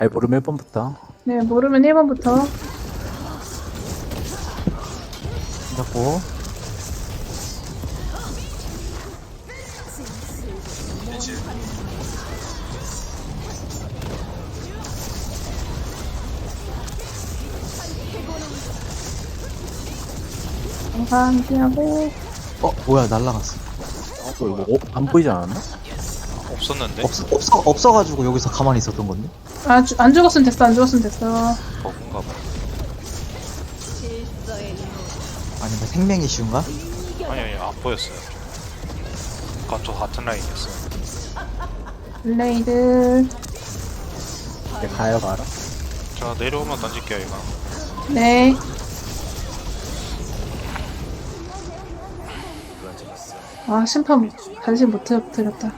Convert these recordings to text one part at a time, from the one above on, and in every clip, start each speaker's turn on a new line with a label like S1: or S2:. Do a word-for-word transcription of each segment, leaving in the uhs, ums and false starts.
S1: 아니 모르면 일 번부터
S2: 네, 모르면 일 번부터.
S1: 잡고
S3: 이제
S2: 영상 피하고.
S4: 어 뭐야 날라갔어.
S1: 어, 이거 어, 안 보이지 않았나?
S5: 없었는데?
S4: 없어 없어 없어가지고 여기서 가만히 있었던 건데.
S2: 아, 주, 안 죽었으면 됐어, 안 죽었으면 됐어.
S5: 버그인가 봐.
S4: 아니면 생명이 쉬운가?
S5: 아니 아니 안 보였어요. 아까 저 같은 라인이었어요.
S2: 블레이드.
S1: 이제 가요 바로.
S5: 자 내려오면 던질게요 이거.
S2: 네. 아, 심판 관심 못 드- 드렸다.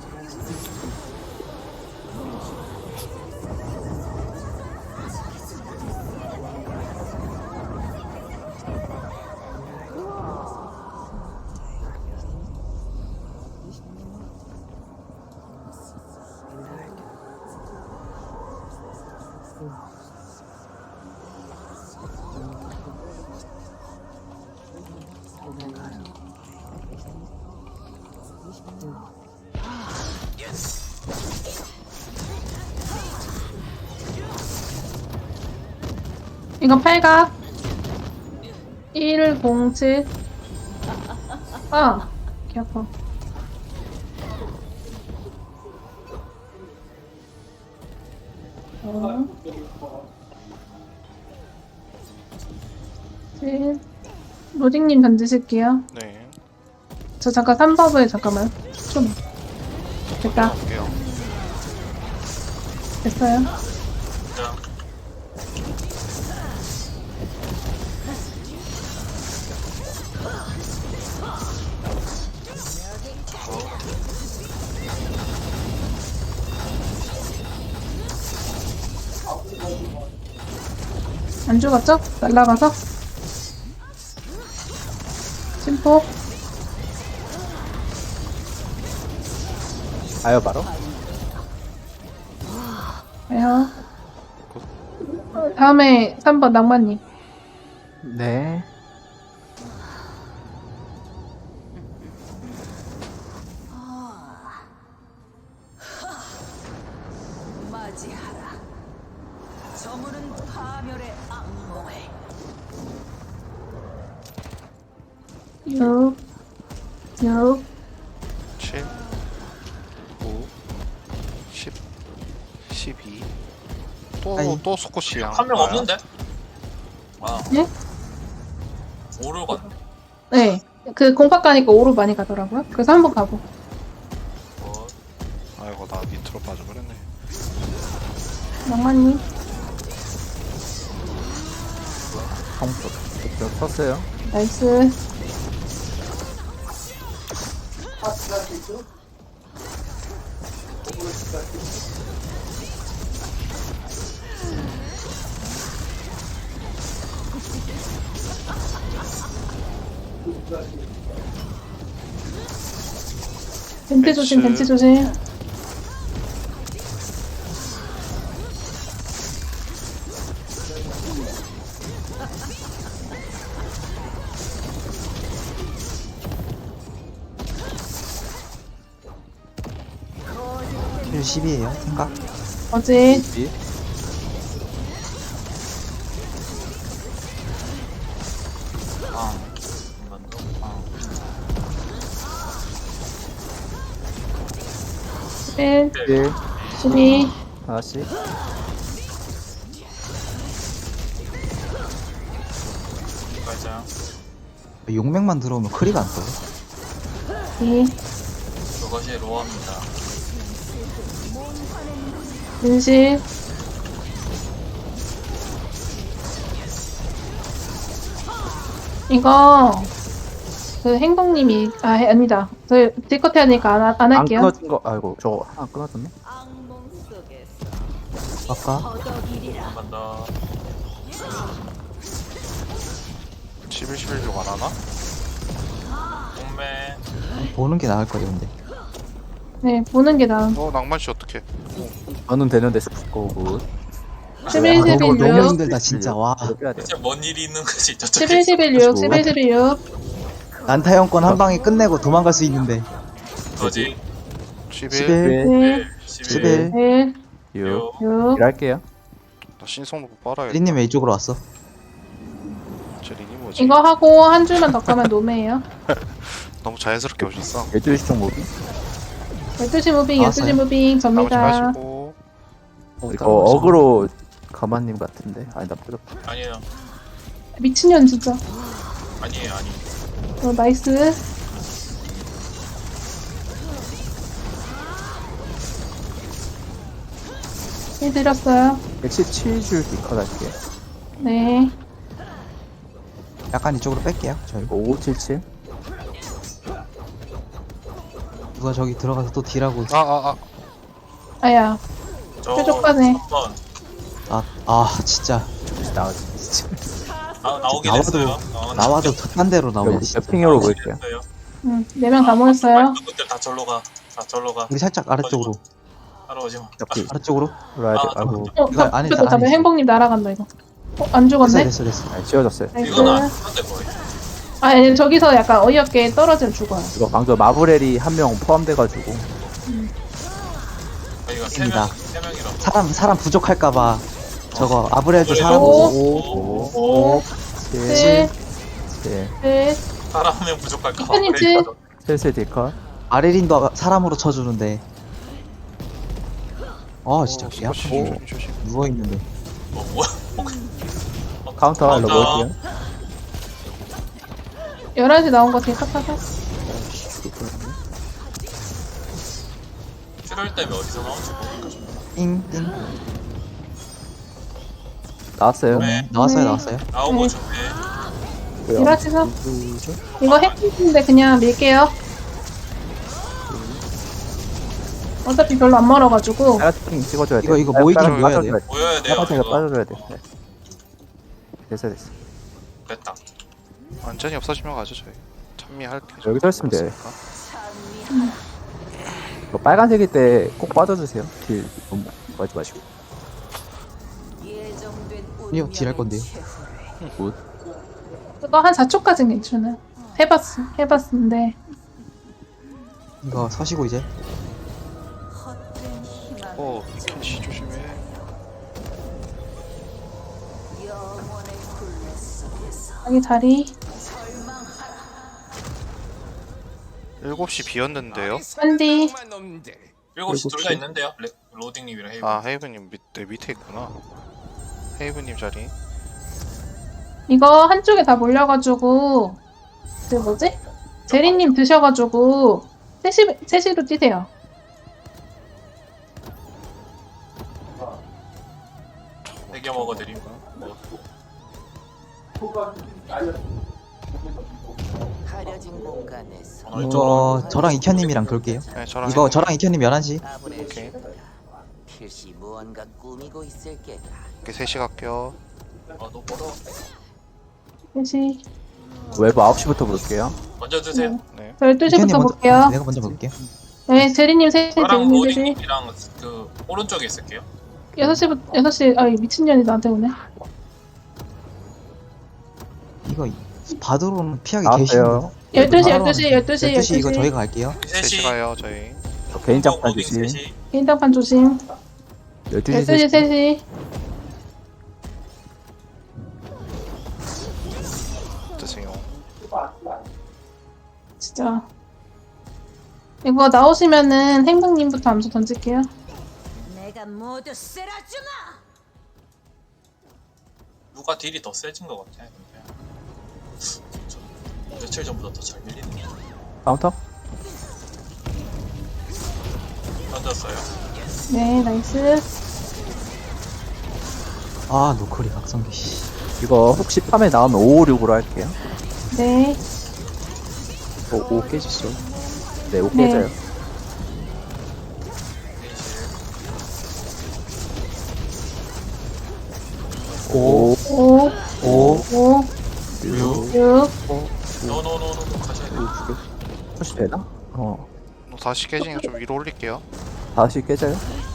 S2: 이건 팔각. 일공칠. 아, 개 아파. 어. 칠. 로딩님 던지실게요.
S5: 네.
S2: 저 잠깐 삼 버블 잠깐만. 좀. 됐다.
S5: 볼게요.
S2: 됐어요.
S3: 자
S2: 안 죽었죠? 날라가서. 침폭.
S1: 가요 바로.
S2: 가요. 다음에 삼 번 낭만님.
S1: 네.
S6: 맞이하라. 저물은 파멸의 악몽을.
S2: 육. 육.
S5: 칠, 구, 십, 십이.
S4: 아이.
S5: 또또 스코시야.
S3: 한 명 없는데? 아
S2: 네?
S3: 오를 건
S2: 네. 그 공파 가니까 오로 많이 가더라고요. 그래서 한 번 가고.
S3: 어,
S5: 아이고 나 밑으로 빠져버렸네.
S2: 낭만님.
S1: 성부. 저 섰어요.
S2: 나이스. 벤트 조심, 벤트 조심.
S4: 킬 십이에요 생각.
S2: 어제
S1: 이.
S3: 아 한번 더. 아
S2: 일,
S1: 일.
S2: 십이.
S1: 하나씩.
S3: 가자.
S4: 용맥만 들어오면 크리가 안 떠요.
S2: 이.
S3: 그것이 로어입니다.
S2: 인실. 이거 그 행동님이 아 아니다. 저 딜컷 해야 되니까 안, 하- 안
S1: 안
S2: 할게요.
S1: 끊어진 거. 아이고 저거 하나 끊어졌네.
S6: 악몽 속에서
S4: 아까
S6: 허덕이리라.
S3: 한 번 더.
S5: 십일, 십일 중 안 하나?
S3: 공매
S4: 보는 게 나을 거예요 근데.
S2: 네, 보는 게 나은.
S5: 어 낭만씨 어떡해.
S1: 저는 되는데 스포 굿.
S2: 십일,
S4: 아,
S2: 십일,
S4: 너무, 너무
S2: 육.
S4: 힘들다 진짜. 와
S1: 이렇게 해야 돼요.
S3: 진짜 뭔 일이 있는 거지 저쪽에.
S2: 십일, 십일, 육. 십일, 십일, 육.
S4: 난타 형권 한 방에 끝내고 도망갈 수 있는데.
S3: 거지.
S5: 십일.
S4: 십일
S2: 일,
S4: 십일
S2: 일,
S1: 육.
S2: 육.
S1: 일할게요.
S5: 나 신성로고 빨아야 돼.
S4: 리님 왜 이쪽으로 왔어?
S5: 저 린이 뭐지?
S2: 이거 하고 한 줄만 더 가면 노매예요.
S5: 너무 자연스럽게 오셨어.
S1: 열두 시 쪽 무비.
S2: 열두 시 무빙, 열두 시
S4: 나왔어요?
S2: 무빙
S5: 나머지
S2: 접니다.
S5: 마시고.
S1: 이거 어그로 가만님 같은데. 아니 나 빼졌다.
S3: 아니에요.
S2: 미친년 진짜.
S3: 아니에요. 아니.
S2: 어, 나이스. 해드렸어요.
S1: 백십칠 줄 디컷 할게요.
S2: 네.
S4: 약간 이쪽으로 뺄게요. 저희
S1: 오오칠칠.
S4: 누가 저기 들어가서 또 딜하고 있어.
S5: 아아 아.
S2: 아야.
S3: 저
S2: 뾰족하네.
S3: 한번
S4: 아, 아 진짜
S1: 나 진짜.
S3: 나, 나오긴
S4: 나와도-
S3: 했어요. 어,
S4: 나와도 딴 데로 나오네.
S1: 여기
S4: 진짜.
S1: 옆핑으로
S3: 나오긴
S1: 볼게요.
S3: 했어요.
S2: 응, 네 명 다 모였어요.
S3: 그들 다 절로 가. 다 절로 가.
S4: 우리 살짝 아래쪽으로
S3: 따라오지 마.
S1: 옆이
S4: 아래쪽으로.
S1: 돌아야 돼.
S3: 아,
S1: 아이고.
S2: 어,
S4: 이거
S2: 다
S4: 안에
S2: 다
S4: 있다, 안에 있어.
S2: 행복님 날아간다 이거. 어, 안
S4: 됐어
S2: 죽었네?
S4: 됐어 됐어.
S1: 아니 지워졌어요.
S2: 나이스.
S3: 이건 안 하는데 거의.
S2: 아, 아니, 저기서 약간 어이없게 떨어지면 죽어요.
S1: 이거 방금 마브렐이 한 명 포함돼가지고.
S3: 저희가 세
S4: 입니다.
S3: 명, 세 명이라고.
S4: 사람 사람 부족할까봐 저거 아브렐도
S3: 그래서-
S4: 사람
S2: 오.
S1: 오,
S2: 오,
S1: 오, 칠,
S2: 칠,
S1: 칠,
S2: 칠.
S3: 사람 한 명 부족할까 봐.
S2: 이쁜이
S3: 그래,
S2: 칠.
S1: 슬슬 디컷.
S4: 아레린도 사람으로 쳐주는데. 아 진짜
S5: 어,
S4: 개
S5: 스쿼시
S4: 아프고
S5: 조심 조심.
S4: 누워 있는데.
S3: 뭐 뭐야?
S1: 카운터
S3: 카운터.
S1: 넣어볼게요.
S2: 열한 시 나온 거 되게 깝깝해.
S3: 출혈 때문에 어디서 나온지 모르니까 좀.
S4: 띵띵.
S1: 나왔어요.
S3: 네.
S4: 나왔어요
S2: 네.
S4: 나왔어요.
S3: 나오고
S2: 네.
S3: 좋네.
S1: 뭐야?
S2: 일하시죠.
S1: 누구죠?
S2: 이거 핵인데 그냥 밀게요. 어차피 별로 안 멀어가지고.
S1: 빨간핑 찍어줘야 돼.
S4: 이거, 이거 모이긴 모여야 돼요.
S3: 모여야 돼요.
S1: 빨간색을
S3: 이거.
S1: 빠져줘야 돼. 네. 됐어 됐어.
S3: 됐다.
S5: 완전히 없어지면 가죠 저희. 찬미할 게
S1: 여기 서 있으면 돼.
S5: 없으니까.
S1: 이거 빨간색일 때 꼭 빠져주세요. 딜 너무 빠지 마시고.
S6: 예정된
S4: 아니요, 딜할 건데요.
S1: 굿.
S2: 그거 한 사 초까지는 괜찮아요. 해봤어. 해봤는데.
S4: 이거 서시고 이제.
S6: 헛된 희망
S5: 어 켄시 조심해.
S6: 영원의 굴레 속에서
S2: 자기 자리.
S5: 일곱 시 비었는데요.
S2: 한디.
S3: 일곱 시
S1: 일곱
S3: 둘 다
S1: 시?
S3: 있는데요. 레, 로딩님이랑 헤이브.
S5: 아 헤이브님 밑, 네, 밑에 있구나. 헤이브님 자리.
S2: 이거 한쪽에 다 몰려가지고. 그 뭐지? 제리님 드셔가지고. 셋시, 셋시로 뛰세요.
S3: 대겨 먹어드림.
S6: 가려진 공간에서
S3: 오늘 이쪽으로.
S4: 이거 저랑 이현님이랑 돌게요.
S5: 네 저랑
S4: 이거
S5: 헤이브님.
S4: 저랑 이현님 열한 시.
S6: 아브렐
S5: 오케이.
S6: 필시 무언가 꾸미고 있을 게다.
S5: 이렇게 셋이 갈게요.
S3: 아, 너 멀어.
S2: 셋시.
S1: 웨브 아홉 시부터 볼게요.
S3: 먼저 드세요.
S5: 네.
S2: 저 열두 시부터
S4: 먼저.
S2: 볼게요.
S4: 내가 먼저 볼게요.
S2: 네, 제리님 셋시,
S3: 저랑
S2: 제리님 셋시.
S3: 로딩님이랑 그 오른쪽에 있을게요.
S2: 여섯 시부터, 여섯 시, 아, 이 미친년이 나한테 오네.
S4: 이거 바드로는 피하기
S1: 나왔어요.
S4: 계시는데.
S2: 열두 시, 열두 시, 열두 시,
S4: 열두 시 이거
S2: 열두 시.
S4: 저희가 갈게요.
S5: 셋이
S3: 셋이
S5: 가요 저희.
S1: 저 개인 장판
S3: 로딩
S1: 주시.
S3: 셋이.
S2: 개인 장판 조심.
S1: 열두 시
S2: 열두 시, 세 시.
S5: 드세요.
S2: 진짜. 이거 나오시면은 행복님부터 암수 던질게요.
S6: 내가 모두 쓸어주마.
S3: 누가 딜이 더 세진 것 같아. 근데. 진짜 며칠 전보다 더 잘 밀리는 거.
S1: 카운터?
S3: 던졌어요.
S2: 네, 나이스.
S4: 아 노크리 박성기 씨.
S1: 이거 혹시 팜에 나오면 오오육으로 할게요.
S2: 네.
S1: 오, 오 깨지죠. 네, 오
S2: 네.
S1: 깨져요. 오,
S2: 오,
S4: 오.
S2: 오,
S1: 육,
S2: 육.
S3: 노노노노 가셔야 돼.
S1: 오, 두 개. 혹시 되나? 어.
S5: 다시 깨지니까 좀 위로 올릴게요.
S1: 다시 깨져요?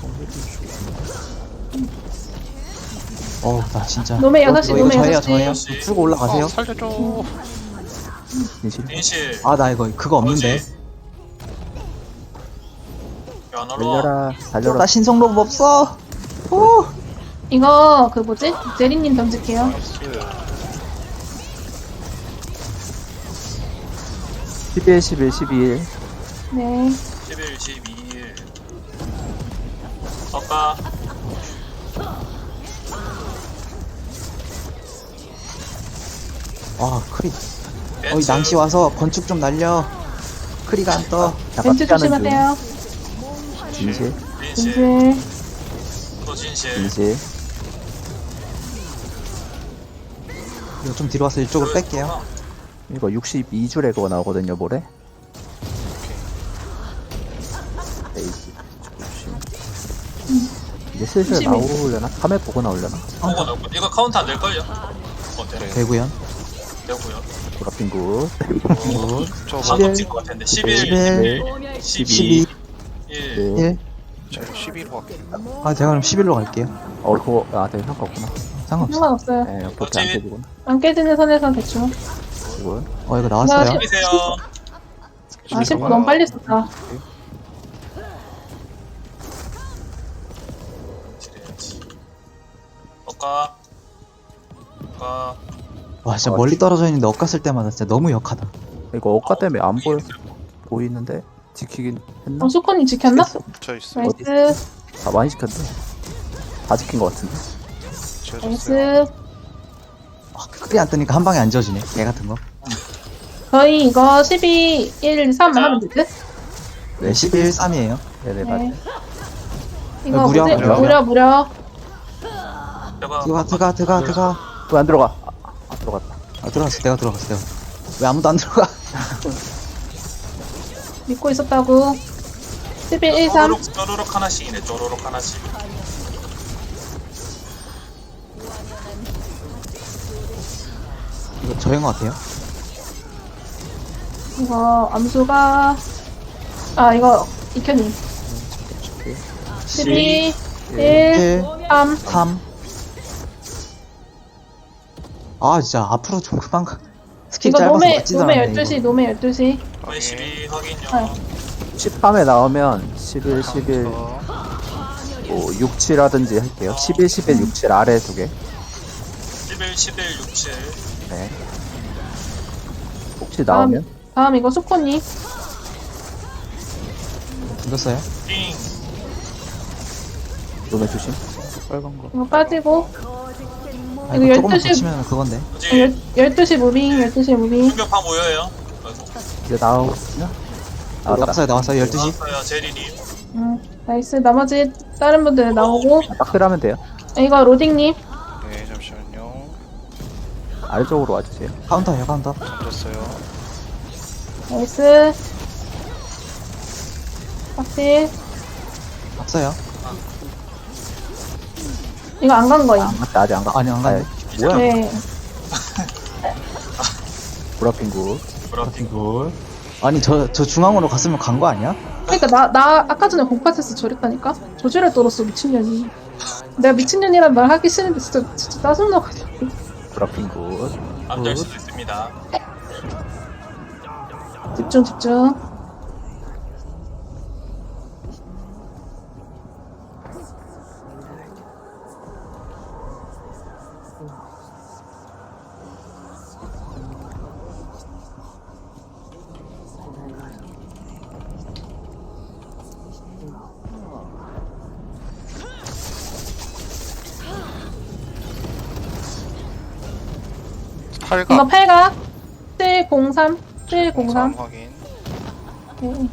S4: 어우 나 진짜
S2: 노메 여섯 시,
S4: 이거, 이거
S2: 노메
S4: 저예요
S2: 여섯 시.
S4: 저예요
S3: 여섯 시.
S4: 풀고 올라가세요.
S5: 어, 살려줘.
S1: 진실.
S3: 인실.
S4: 아 나 이거 그거 없는데.
S3: 왜안 올라와?
S1: 달려라, 달려라.
S4: 나 신성 로봇 없어. 오.
S2: 이거 그 뭐지? 제리님 던질게요.
S1: 십일, 십일, 십일.
S2: 네.
S3: 십일, 십이일. 덕가.
S4: 아 크리. 어이
S3: 벤츠.
S4: 낭시 와서 건축 좀 날려. 크리가 안 떠.
S1: 잠깐
S2: 벤츠
S1: 피하는 중.
S2: 조심하세요.
S1: 진실,
S3: 인실.
S2: 벤츠.
S3: 또 진실.
S1: 진실.
S4: 이거 좀 뒤로 와서 이쪽으로 뺄게요.
S1: 이거 육십이 줄에 그거 나오거든요, 모레. 에이씨, 이제 슬슬
S2: 육십이.
S1: 나오려나? 카메 보고 나오려나?
S3: 보고 나올 거. 이거 카운트 안 될걸요? 어때?
S4: 되구연.
S3: 되고요.
S1: 보라핑 굿.
S5: 저
S3: 방금 찍은 것 같은데. 십일,
S4: 십일,
S3: 십이,
S4: 십이,
S3: 일.
S1: 네.
S4: 일.
S5: 저 십이로 갈게요.
S4: 아 제가 그럼 십일로 갈게요.
S1: 어, 그거, 아, 되게 상관없구나.
S4: 상관없어.
S2: 상관없어요.
S1: 네, 그렇게 안 깨지구나.
S2: 안 깨지는 선에서 대충.
S1: 이거.
S4: 어 이거 나왔어요.
S3: 십이세요.
S2: 아, 십 분 너무 빨리 썼다.
S3: 지뢰야지. 덕가. 덕가.
S4: 와 진짜 멀리 떨어져 있는데 엇갔을 때마다 진짜 너무 역하다.
S1: 이거 억가 때문에 안 보여, 보이는데? 지키긴 했나?
S2: 어, 수코님 지켰나?
S5: 저 있어요.
S2: 나이스.
S1: 아, 많이 지켰네. 다 지킨 것 같은데.
S5: 지어줬어요.
S2: 나이스.
S4: 아, 크리 안 뜨니까 한 방에 안 져지네. 개 같은 거.
S2: 저희 이거 십이, 일, 삼 하면 되지?
S4: 네 십일, 삼이에요.
S1: 네네,
S2: 네.
S1: 맞아요.
S2: 이거
S4: 무려,
S2: 뭐지?
S4: 무려.
S2: 무려, 무려.
S3: 제가
S4: 들어가 들어가 들어가 들어가.
S1: 왜 안 들어가? 아, 아, 들어갔다.
S4: 아 들어갔어. 내가 들어갔어. 내가. 왜 아무도 안 들어가?
S2: 믿고 있었다고. 십일, 일, 삼.
S3: 쪼로록, 쪼로록 하나씩이네. 쪼로록 하나씩.
S4: 이거 저인 것 같아요.
S2: 이거 암수가. 아, 이거 이현님. 십이, 일,
S4: 일,
S2: 삼.
S4: 삼. 아 진짜 앞으로 좀 그만 가. 스킬
S2: 이거
S4: 짧아서
S2: 노메,
S4: 맞지도
S2: 노메
S4: 않네,
S2: 열두 시,
S4: 이거.
S2: 노메 열두 시.
S3: 네, 십이 확인요.
S2: 아.
S1: 십삼에 나오면 십일, 십일,
S5: 어,
S1: 뭐, 육, 칠하든지 할게요. 십일, 십일, 육, 칠 아래 두 개.
S3: 십일, 십일, 육칠.
S1: 네. 혹시 나오면?
S2: 다음 이거 수코님.
S4: 던졌어요?
S3: 띵.
S1: 노메 조심. 빨간 거.
S2: 이거 빠지고.
S4: 아,
S2: 이거
S4: 이거 조금만
S2: 열두 시.
S4: 더 치면 그건데.
S3: 뭐지?
S2: 열두 시 무빙, 열두 시 무빙.
S3: 충격파 모여요. 아이고.
S1: 이제 나오나? 나왔다.
S4: 나왔어요 나왔어요 열두 시.
S3: 나왔어요, 제리님.
S2: 음, 나이스. 나머지 다른 분들 나오고.
S1: 딱 들어가면 돼요.
S2: 이거 로딩님.
S5: 네, 잠시만요.
S1: 아래쪽으로 와주세요.
S4: 카운터예요 카운터.
S5: 던졌어요.
S2: 나이스. 확실.
S4: 없어요.
S2: 이거 안 간 거임.
S1: 안 갔다, 아직 안 가.
S4: 아니 안 가네.
S1: 뭐야?
S2: 네.
S1: 보라핑 굿.
S3: 브라핑.
S4: 이걸. 아니 저 저 중앙으로 갔으면 간 거 아니야?
S2: 그러니까 나, 나 아까 전에 공파테스 저랬다니까? 저지를 떨었어, 미친년이. 내가 미친년이란 말 하기 싫은데 진짜, 진짜 짜증나가지고.
S1: 보라핑 굿.
S3: 안될 수도 있습니다.
S2: 집중, 집중.
S5: 팔각.
S2: 이거 팔각. 칠공삼. 칠공삼.
S5: 확인.
S2: 네.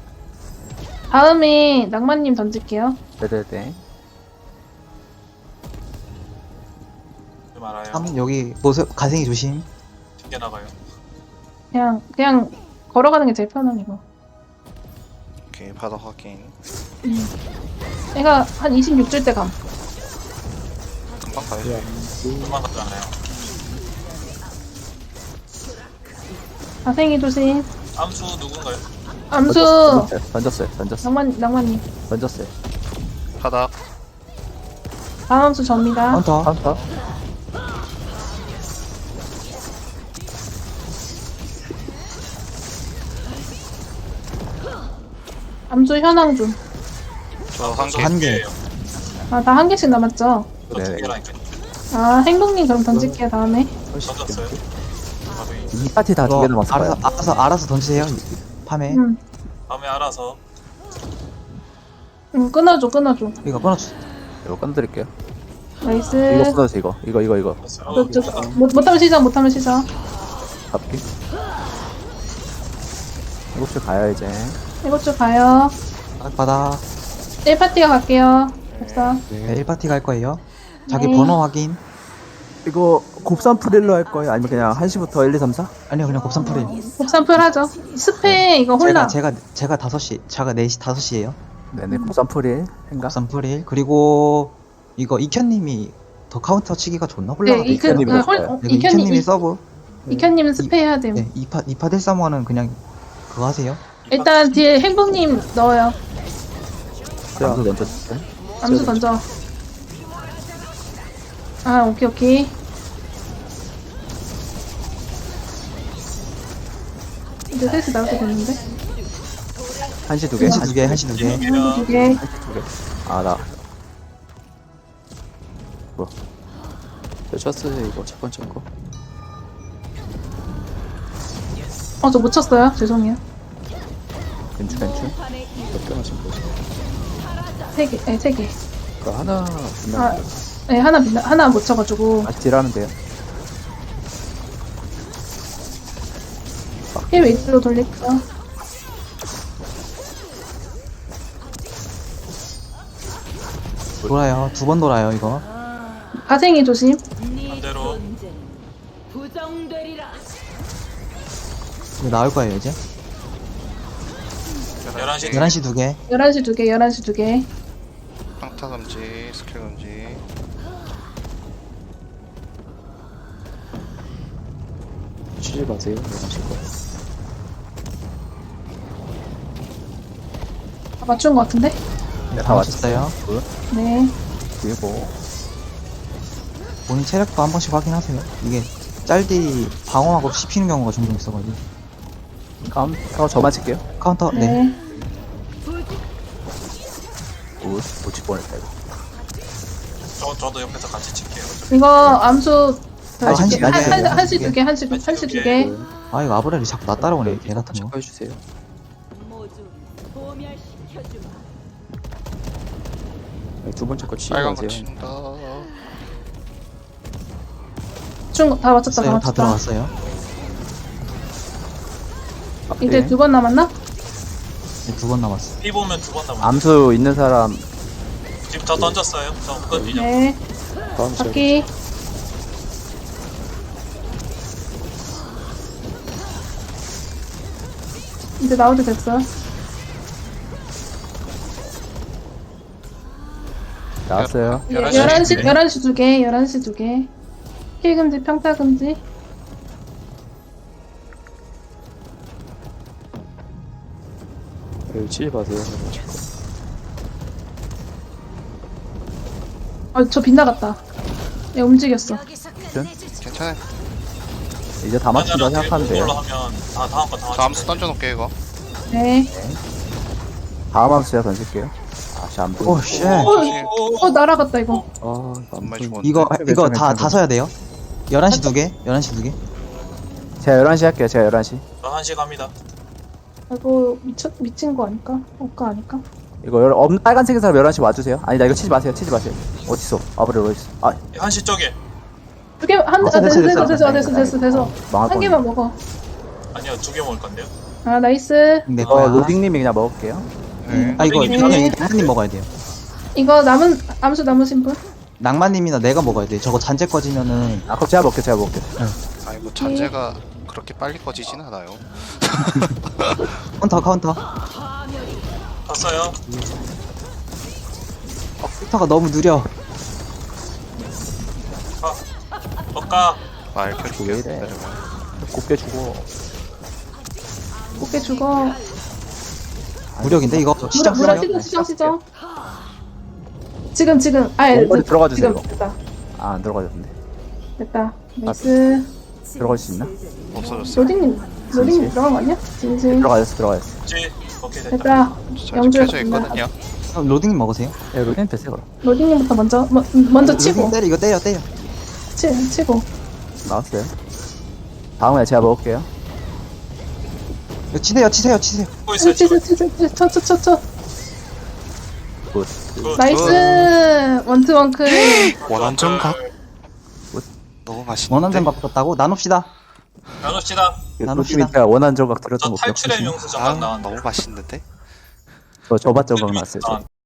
S2: 다음에 낭만님 던질게요.
S1: 네네네.
S3: 좀 알아요.
S4: 삼 여기 모습 가생이 조심.
S3: 튕겨나가요.
S2: 그냥, 그냥 걸어가는 게 제일 편한 이거.
S5: 오케이, 바닥 확인.
S2: 얘가 한 이십육 줄 때 감.
S5: 금방 가야죠.
S3: 도망갔잖아요.
S2: 자생이 조심.
S3: 암수 누군가요?
S2: 암수
S1: 던졌어요. 던졌어요. 던졌어요.
S2: 낭만 낭만님
S1: 던졌어요.
S5: 바닥.
S2: 다음 암수 접니다.
S4: 카운터.
S1: 카운터.
S2: 암수 현황 좀.
S5: 저 한 개.
S4: 한 개.
S2: 아 다 한 개씩 남았죠.
S3: 저 두
S1: 네.
S3: 개라니까.
S2: 아 행동님 그럼 던질게요 다음에.
S3: 던졌어요. 바로 이
S1: 이 파티 다 두 개
S4: 이거
S1: 남았어요.
S4: 알아서, 알아서, 알아서 던지세요. 팜에.
S2: 음,
S3: 다음에 알아서.
S2: 음 끊어줘 끊어줘.
S4: 이거 끊어주.
S1: 이거 건드릴게요.
S2: 나이스.
S1: 이거 끊어서 이거. 이거 이거 이거.
S3: 던졌어요.
S2: 저, 저, 못, 못하면 시작 못하면 시작.
S1: 잡기. 일곱 시 가야 이제.
S2: 이것 좀 가요.
S4: 바닥, 바닥.
S2: 일 파티가 갈게요. 법사.
S4: 네, 일 파티 갈 거예요. 자기
S2: 네.
S4: 번호 확인.
S1: 이거 곱삼 프릴로 할 거예요? 아니면 그냥 한 시부터 일, 이, 삼, 사?
S4: 아니요, 그냥 곱삼 풀이.
S2: 곱삼풀 하죠. 스페 이거 홀라.
S4: 제가, 제가, 제가 다섯 시, 제가 네 시, 다섯 시에요.
S1: 네네, 곱삼 프릴. 행가?
S4: 곱삼 풀일. 그리고, 이거 이현님이 더 카운터 치기가 좋나?
S2: 네,
S4: 홀라가
S2: 이크,
S1: 이현님이
S2: 아, 홀,
S1: 넣었어요.
S2: 어,
S4: 이거
S2: 이현님,
S4: 이현님이
S2: 이-
S4: 서브.
S2: 이현님은 스페 해야 됨.
S4: 네, 이파, 이파 델사모는 그냥 그거 하세요.
S2: 일단 뒤에 행복님 넣어요.
S1: 암수 던졌어요.
S2: 암수 던져. 아, 오케이, 오케이. 이제 셋이 나올 때 됐는데?
S1: 한 시 두 개.
S4: 한시 두 개, 한시 두 개.
S3: 이놈이랑
S2: 두 개.
S1: 두 개. 아, 나. 뭐. 저 쳤어요, 이거. 첫 번째 거.
S2: 어, 저 못 쳤어요. 죄송해요.
S1: 괜추, 괜추. 몇 개만 지금 보세요.
S2: 세 개, 네, 세 개.
S1: 그 하나,
S2: 아,
S1: 분명.
S2: 네, 하나, 빛나- 하나 못 쳐가지고.
S1: 다시 딜하면 돼요.
S2: 힐 웨이트로 돌릴게요.
S4: 돌아요. 두 번 돌아요, 이거.
S2: 가생이 조심.
S3: 반대로.
S4: 이거 나올 거예요, 이제.
S3: 열한 시.
S4: 열한 시 두 개.
S2: 열한 시 두 개, 열한 시 두 개.
S5: 평타 금지, 스킬 금지.
S1: 쉬지 마세요. 하실 거.
S2: 다 맞춘 것 같은데?
S1: 네,
S4: 다 맞췄어요.
S1: 굿.
S2: 네.
S1: 그리고,
S4: 본인 체력도 한 번씩 확인하세요. 이게 짤디 방어하고 씹히는 경우가 종종 있어가지고.
S1: 카운터 저만 칠게요.
S4: 카운터, 네.
S2: 네.
S1: 굿. 놓칠 뻔했다, 이거.
S3: 저 저도 옆에서 같이 칠게요.
S2: 이거 암수
S4: 아, 한 시,
S2: 한,
S4: 한 시,
S2: 한,
S4: 한
S2: 한시
S4: 시
S2: 두 개, 한시,
S3: 한시
S2: 한시
S3: 두
S2: 두
S3: 개.
S2: 개.
S4: 아, 이거 아브렐이 자꾸 나 따라오네. 개 같은 거.
S1: 해주세요. 두 번째 거 치지
S5: 빨간 거
S1: 마세요.
S5: 친다.
S2: 중, 다 맞췄다, 다
S4: 다
S2: 맞췄다.
S4: 들어갔어요.
S2: 이제 두 번 남았나?
S4: 네, 두 번 남았어.
S3: 피 보면 두 번 남았어요.
S1: 암수 있는 사람
S3: 지금 저 던졌어요. 저 끝, 이제.
S2: 네.
S1: 다음 시간
S2: 바퀴. 이제 나올 때 됐어.
S1: 나왔어요.
S3: 열한 시.
S2: 열한 시, 열한 시 두 개, 열한 시 두 개. 힐 금지, 평타 금지.
S1: 치지 마세요.
S2: 아, 저 빗나갔다. 얘 움직였어.
S5: 괜찮아요.
S1: 이제 다 맞춘다 생각하면 돼요.
S3: 걸로 하면 다 다음 거다
S5: 저 암수 던져놓을게요, 이거.
S2: 네.
S1: 다음 암수 제가 던질게요. 아씨 안 보여.
S4: 오, 쉣.
S2: 어, 날아갔다, 이거.
S1: 아,
S5: 정말
S1: 안
S5: 죽었네.
S4: 이거, 이거 다,
S1: 괜찮아요.
S4: 다 서야 돼요. 열한 시 두 개, 열한 시 두 개.
S1: 제가 열한 시 할게요. 제가 열한 시.
S3: 열한 시 갑니다.
S2: 이거 미쳐, 미친 거 아닐까? 억까 아닐까?
S1: 이거 열, 없는 빨간색인 사람 열한 시 와주세요. 아니다 이거 치지 마세요. 치지 마세요. 어딨어? 아브렐 어딨어? 아
S3: 한 시 쪽에.
S2: 두 개, 한,
S4: 됐어,
S2: 아, 됐어,
S4: 됐어,
S2: 됐어,
S4: 됐어.
S2: 됐어, 됐어, 됐어.
S1: 망할
S2: 한 개만 먹어.
S3: 아니요, 두 개 먹을 건데요.
S2: 아, 나이스.
S4: 내
S1: 이거
S4: 거야.
S1: 로딩님이 그냥 먹을게요.
S5: 네.
S4: 아, 이거,
S2: 네.
S4: 이거는 이거 낭만님 먹어야 돼요.
S2: 이거 남은, 암수 남으신 분?
S4: 낭만님이나 내가 먹어야 돼. 저거 잔재 꺼지면은.
S1: 아 그럼 제가 먹게 제가 먹게.
S5: 아, 이거 잔재가 그렇게 빨리 꺼지진 않아요.
S4: 카운터, 카운터.
S3: 봤어요.
S4: 빅터가 너무 느려.
S3: 가. 엇가.
S5: 말
S1: 왜
S5: 켜줄게요.
S1: 이래? 곱게 주고.
S2: 곱게 죽어.
S4: 무력인데 이거
S2: 무려
S4: 시작
S2: 무려
S4: 시작.
S2: 시정 시정 시정. 지금 지금 아예
S1: 원거리 들어가 주세요,
S2: 지금
S1: 이거.
S2: 됐다
S1: 아, 안 들어가졌는데.
S2: 됐다. 나이스.
S1: 들어갈 수 있나?
S5: 없어졌어요.
S2: 로딩님 로딩님
S1: 진실?
S2: 들어간 거 아니야? 진실.
S1: 들어가졌어, 들어가졌어.
S3: 그치? 오케이 됐다.
S2: 됐다.
S5: 저
S2: 영주에
S5: 켜져 있거든요.
S4: 그럼 로딩님 먹으세요.
S1: 야, 로딘 패스 그럼.
S2: 로딩님부터 먼저 뭐, 먼저
S4: 로딩
S2: 치고
S4: 때려 이거 때려 때려.
S2: 치 치고.
S1: 나왔어요. 다음에 제가 먹을게요.
S4: 이거 치세요 치세요 치세요.
S3: 치고 있어요.
S2: 치
S3: 치고
S2: 치 치 치 쳐쳐쳐 쳐.
S1: 굿.
S3: 있어요.
S2: 나이스. 원투 원클.
S5: 원한 정각.
S1: 굿.
S5: 너무 맛있는데.
S4: 원한점 바꿨다고 나눕시다.
S3: 나눕시다.
S4: 나눕시다.
S1: 로딘이 제가 원한 조각
S3: 저
S1: 들었던 거
S3: 탈출의
S1: 기억하시나요?
S3: 명수
S5: 아,
S3: 잠깐 나왔는데.
S5: 너무 맛있는데.
S1: 저 저밭 조각 났어요. 저.
S3: 나왔는데.